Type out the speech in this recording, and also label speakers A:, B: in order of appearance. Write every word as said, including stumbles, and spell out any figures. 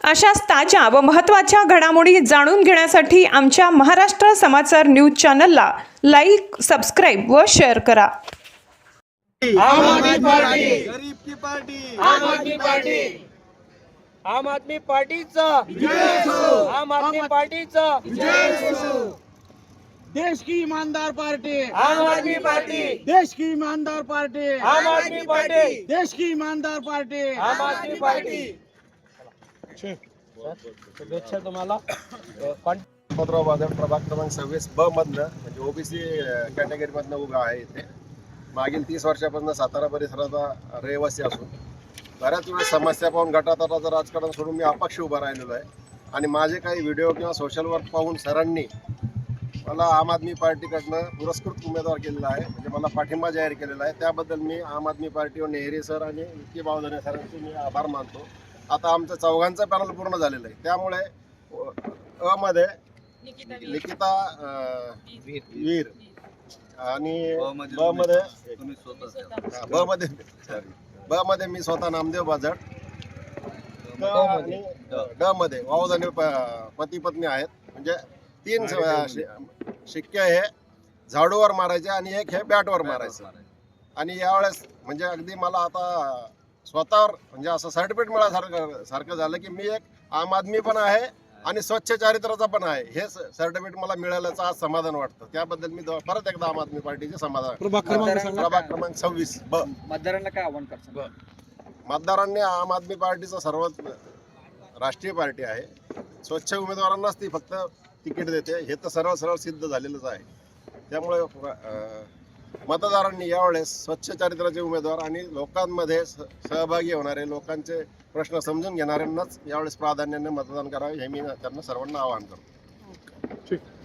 A: अशाच ताज्या व महत्त्वाच्या घडामोडी जाणून घेण्यासाठी आमच्या महाराष्ट्र समाचार न्यूज चॅनलला लाईक, सबस्क्राईब व शेअर करा।
B: आम आदमी पार्टी,
C: गरीब की पार्टी,
B: आम आदमी पार्टी, आम आदमी पार्टीचा
C: विजय असो,
B: आम आदमी पार्टीचा
C: विजय असो। देश की ईमानदार पार्टी,
B: आम आदमी पार्टी,
C: देश की ईमानदार पार्टी,
B: आम आदमी पार्टी,
C: देश की ईमानदार पार्टी,
B: आम आदमी पार्टी। शुभेच्छा तुम्हाला।
D: पत्राव बाजार प्रभाग क्रमांक सव्वीस ब मधनं म्हणजे ओबीसी कॅटेगरी मधनं उभा आहे इथे। मागील तीस वर्षापासून सातारा परिसराचा रहिवासी असून बऱ्याच वेळेस समस्या पाहून गटातटाचं राजकारण सोडून मी अपक्ष उभा राहिलेलो आहे आणि माझे काही व्हिडिओ किंवा सोशल वर्क पाहून सरांनी मला आम आदमी पार्टीकडनं पुरस्कृत उमेदवार केलेला आहे, म्हणजे मला पाठिंबा जाहीर केलेला आहे। त्याबद्दल मी आम आदमी पार्टी व नेहरी सर आणि विकी बावधने सरांचे मी आभार मानतो। आता आमचं चौघांचं पॅनल पूर्ण झालेलं आहे, त्यामुळे अ मध्ये निकिता वीर आणि ब मध्ये ब मध्ये ब मध्ये मी स्वतः नामदेव बाजट, आणि ड मध्ये वावधने पती पत्नी आहेत। म्हणजे तीन शिक्के हे झाडूवर मारायचे आणि एक हे बॅटवर मारायचं। आणि यावेळेस म्हणजे अगदी मला आता स्वतःवर म्हणजे असं सर्टिफिकेट मिळाल्यासारखं सारखं झालं की मी एक आम आदमी पण आहे आणि स्वच्छ चारित्र्याचा पण आहे। हे सर्टिफिकेट मला मिळाल्याचं आज समाधान वाटतं, त्याबद्दल मी परत एकदा आम आदमी पार्टीचे समाधान। प्रभाग क्रमांक सव्वीस ब
B: मतदारांना काय आव्हान करतो?
D: मतदारांनी आम आदमी पार्टीचं सर्वात राष्ट्रीय पार्टी आहे, स्वच्छ उमेदवारांनाच ती फक्त तिकीट देते, हे तर सरळ सरळ सिद्ध झालेलंच आहे। त्यामुळे मतदारांनी यावेळेस स्वच्छ चारित्र्याचे उमेदवार आणि लोकांमध्ये सहभागी होणारे, लोकांचे प्रश्न समजून घेणाऱ्यांनाच यावेळेस प्राधान्याने मतदान करावे, हे मी त्यांना सर्वांना आवाहन करतो।